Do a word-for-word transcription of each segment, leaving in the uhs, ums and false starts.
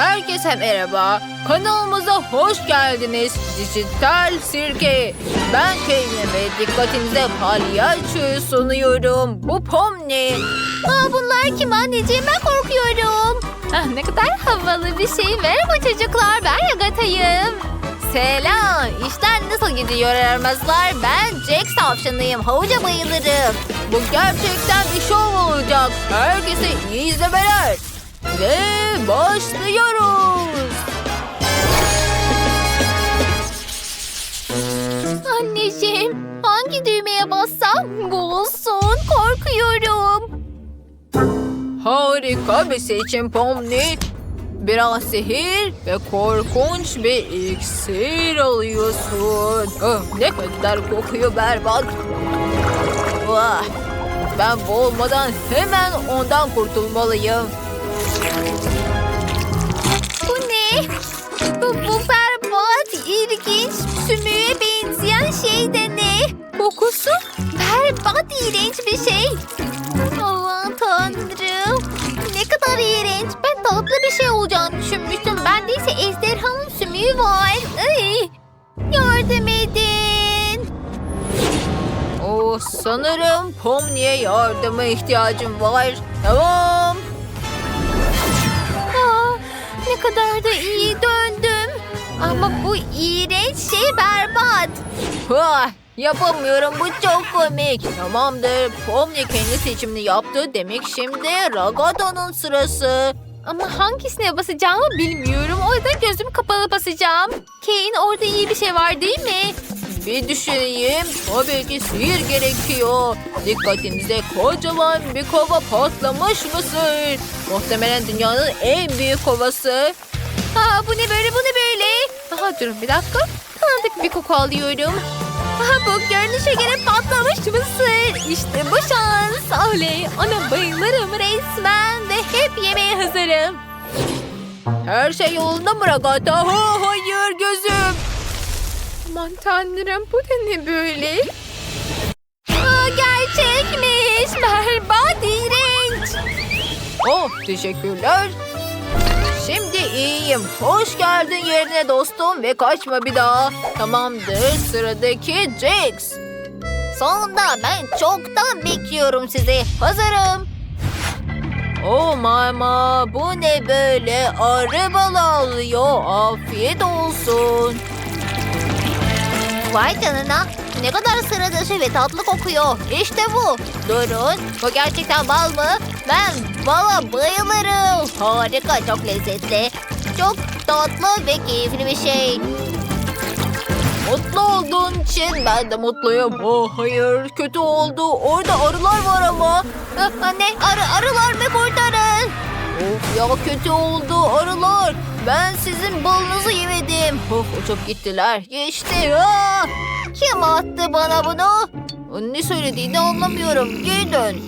Herkese merhaba. Kanalımıza hoş geldiniz. Dijital Sirke. Ben Kane'im ve dikkatinize palyaçoyu sunuyorum. Bu Pomni. Aa, bunlar kim anneciğim? Ben korkuyorum. Ah, ne kadar havalı bir şey. Merhaba çocuklar. Ben Agata'yım. Selam. İşler nasıl gidiyor aramazlar? Ben Jack tavşanıyım. Havuca bayılırım. Bu gerçekten bir şov olacak. Herkese iyi izlemeler. Ve başlıyoruz. Anneciğim, hangi düğmeye bassam bu olsun? Korkuyorum. Harika bir seçim Pomni. Biraz sihir ve korkunç bir iksir alıyorsun. Oh, ne kadar kokuyor berbat. Vah, ben bu olmadan hemen ondan kurtulmalıyım. Bu ne? Bu, bu berbat, ilginç, sümüğe benzeyen şey de ne? Kokusu berbat, iğrenç bir şey. Aman tanrım. Ne kadar iğrenç. Ben tatlı bir şey olacağını düşünmüştüm. Bendeyse ejderhanın sümüğü var. Ay, yardım edin. Oh, sanırım Pomni'ye yardıma ihtiyacım var. Tamam. Aa, ne kadar da iyi döndüm. Ama bu iğrenç şey berbat. Vah, yapamıyorum, bu çok komik. Tamamdır, Pomni kendi seçimini yaptı. Demek şimdi Ragata'nın sırası. Ama hangisine basacağımı bilmiyorum. O yüzden gözümü kapalı basacağım. Kane, orada iyi bir şey var değil mi? Bir düşüneyim. Tabii ki sihir gerekiyor. Dikkatinize, kocaman bir kova patlamış mısır. Muhtemelen dünyanın en büyük kovası. Aa, bu ne böyle, bu ne böyle? Aha, durun bir dakika. Tanıdık bir koku alıyorum. Aha, bu görünüşe göre patlamış mısır. İşte bu şans. Oley, ona bayılırım resmen ve hep yemeğe hazırım. Her şey yolunda mı Ragata? Ha, hayır, gözüm. Aman tanrım, bu da ne böyle? Aa, gerçekmiş. Berbat, iğrenç. Oh, teşekkürler. Şimdi iyiyim. Hoş geldin yerine dostum ve kaçma bir daha. Tamamdır, sıradaki Jax. Sonunda, ben çoktan bekliyorum sizi. Hazırım. Oh mama, bu ne böyle? Arı balı alıyor. Afiyet olsun. Vay canına. Ne kadar sıra dışı ve tatlı kokuyor. İşte bu. Durun. Bu gerçekten bal mı? Ben bala bayılırım. Harika, çok lezzetli. Çok tatlı ve keyifli bir şey. Mutlu olduğun için ben de mutluyum. Oh hayır, kötü oldu. Orada arılar var ama. Ah, anne, arı, arılar mı, kurtarın? Of ya, kötü oldu arılar. Ben sizin balınızı yemedim. Oh, uçup gittiler. Geçti. Ah! Kim attı bana bunu? Ne söylediğini anlamıyorum. Geri dön.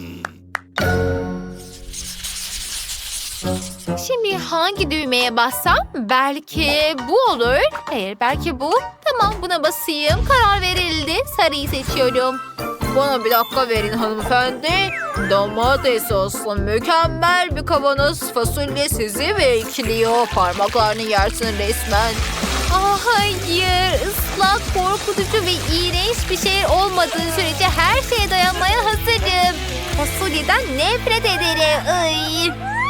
Şimdi hangi düğmeye bassam? Belki bu olur. Hayır, belki bu. Tamam, buna basayım. Karar verildi. Sarıyı seçiyorum. Bana bir dakika verin hanımefendi. Domates soslu mükemmel bir kavanoz fasulye sizi bekliyor. Parmaklarını yersin resmen. Aa, hayır. Islak, korkutucu ve iğrenç bir şey olmadığı sürece her şeye dayanmaya hazırım. Fasulyeden nefret ederim. Ay.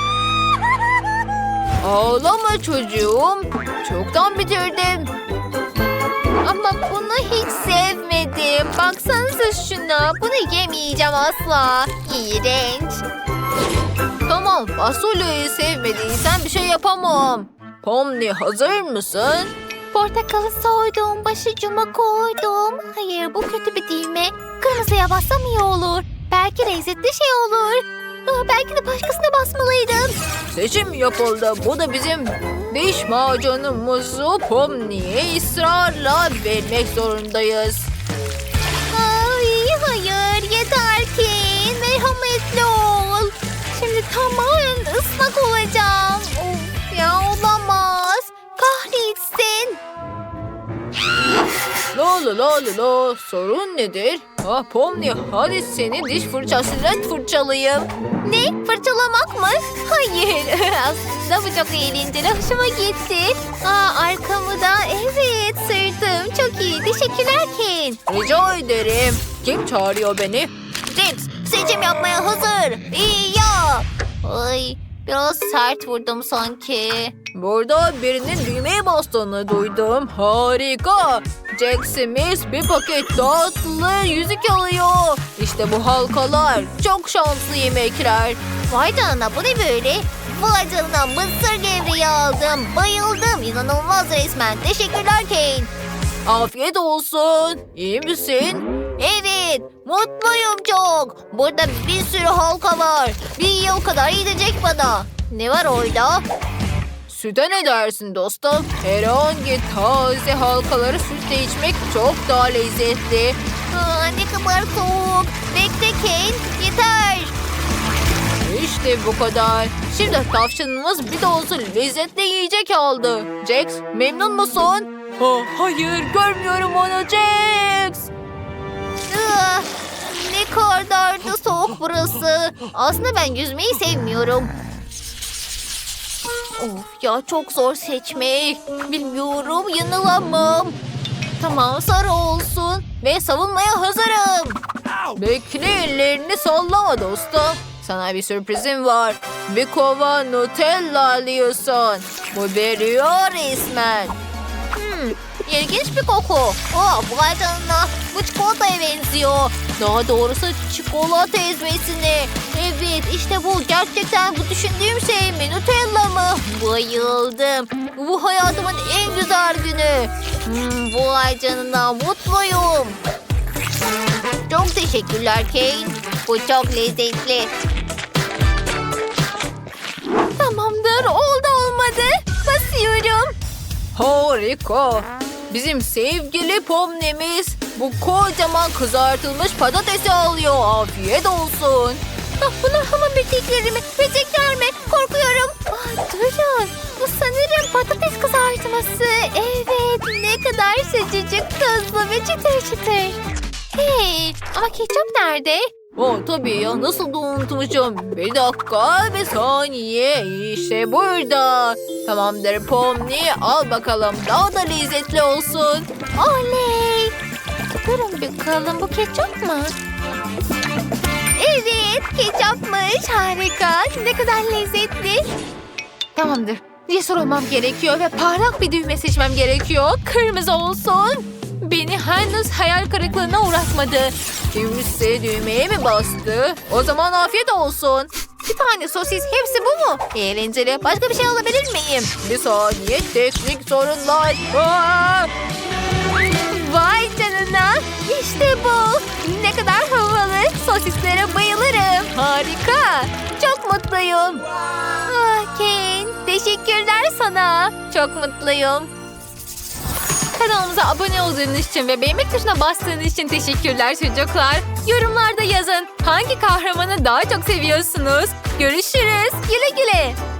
Ağlama çocuğum. Çoktan bitirdim. Ama bunu hiç sevmedim. Baksanıza şuna. Bunu yemeyeceğim asla. İğrenç. Tamam, fasulyeyi sevmediysen bir şey yapamam. Pomni, hazır mısın? Portakalı soydum, başucuma koydum. Hayır, bu kötü bir düğme. Kırmızıya bassam iyi olur. Belki lezzetli şey olur. Aa, belki de başkasına basmalıydım. Seçim yapıldı. Bu da bizim diş macunumuzu Pomni'ye ısrarla vermek zorundayız. Ay, hayır, yeter ki. Merhametli ol. Şimdi tamamen ıslak olacağım. Of ya, olamaz. Kahretsin. Ne la la la la. Sorun nedir? Ah Pomni, hadi seni diş fırçasıyla fırçalayayım. Ne? Fırçalamak mı? Hayır. Aslında bu çok eğlenceli. Hoşuma gitti. Aa, arkamı da evet sırtım. Çok iyi. Teşekkürler Ken. Rica ederim. Kim çağırıyor beni? Jax seçim yapmaya hazır. İyi ya. Ay biraz sert vurdum sanki. Burada birinin düğmeye bastığını duydum. Harika. Jack Smith bir paket tatlı yüzük alıyor. İşte bu halkalar. Çok şanslı yemekler. Vay canına bu ne böyle? Vay canına mısır gevreği aldım. Bayıldım. İnanılmaz resmen. Teşekkürler Ken. Afiyet olsun. İyi misin? Evet, mutluyum çok. Burada bir sürü halka var. Bir yıl kadar yiyecek bana. Ne var orada? Süte ne dersin dostum? Herhangi taze halkaları sütle içmek çok daha lezzetli. Aa, ne kadar soğuk. Bekle Ken, yeter. İşte bu kadar. Şimdi tavşanımız bir de olsun lezzetli yiyecek aldı. Jax, memnun musun? Ha, hayır, görmüyorum onu Jax. Aa, ne kadar da soğuk burası. Aslında ben yüzmeyi sevmiyorum. Of ya çok zor seçmek. Bilmiyorum yanılamam. Tamam sarı olsun ve savunmaya hazırım. Bekle, ellerini sallama dostum. Sana bir sürprizim var. Bir kova Nutella alıyorsun. Bu veriyor resmen. Hmm, ilginç bir koku. Oh, vay canına. Bu çikolataya benziyor. Daha doğrusu çikolata ezmesine. Evet işte bu. Gerçekten bu düşündüğüm şey mi? Nutella mı? Bayıldım. Bu hayatımın en güzel günü. Hmm, vay canına mutluyum. Çok teşekkürler Ken. Bu çok lezzetli. Tamamdır. Oldu olmadı. Basıyorum. Harika. Bizim sevgili Pomni'miz bu kocaman kızartılmış patatesi alıyor. Afiyet olsun. Ah, bunlar hamam böcekleri mi? Böcekler mi? Korkuyorum. Ah, durun. Bu sanırım patates kızartması. Evet. Ne kadar sıcacık, tuzlu ve çıtır çıtır. Hey, ama ketçap nerede? Oh tabii ya, nasıl da unutmuşum. Bir dakika, bir saniye. İşte burada. Tamamdır Pomni, al bakalım, daha da lezzetli olsun. Oley. Durun bakalım bu ketçap mı? Evet ketçapmış. Harika. Ne kadar lezzetli. Tamamdır. Cesur olmam gerekiyor ve parlak bir düğme seçmem gerekiyor. Kırmızı olsun. Beni henüz hayal kırıklığına uğratmadı. Kimse düğmeye mi bastı? O zaman afiyet olsun. Bir tane sosis hepsi bu mu? Eğlenceli. Başka bir şey alabilir miyim? Bir saniye, teknik sorunlar. Aa! Vay canına. İşte bu. Ne kadar havalı. Sosislere bayılırım. Harika. Çok mutluyum. Ah Ken. Teşekkürler sana. Çok mutluyum. Kanalımıza abone olduğunuz için ve beğenmek tuşuna bastığınız için teşekkürler çocuklar. Yorumlarda yazın. Hangi kahramanı daha çok seviyorsunuz? Görüşürüz. Güle güle.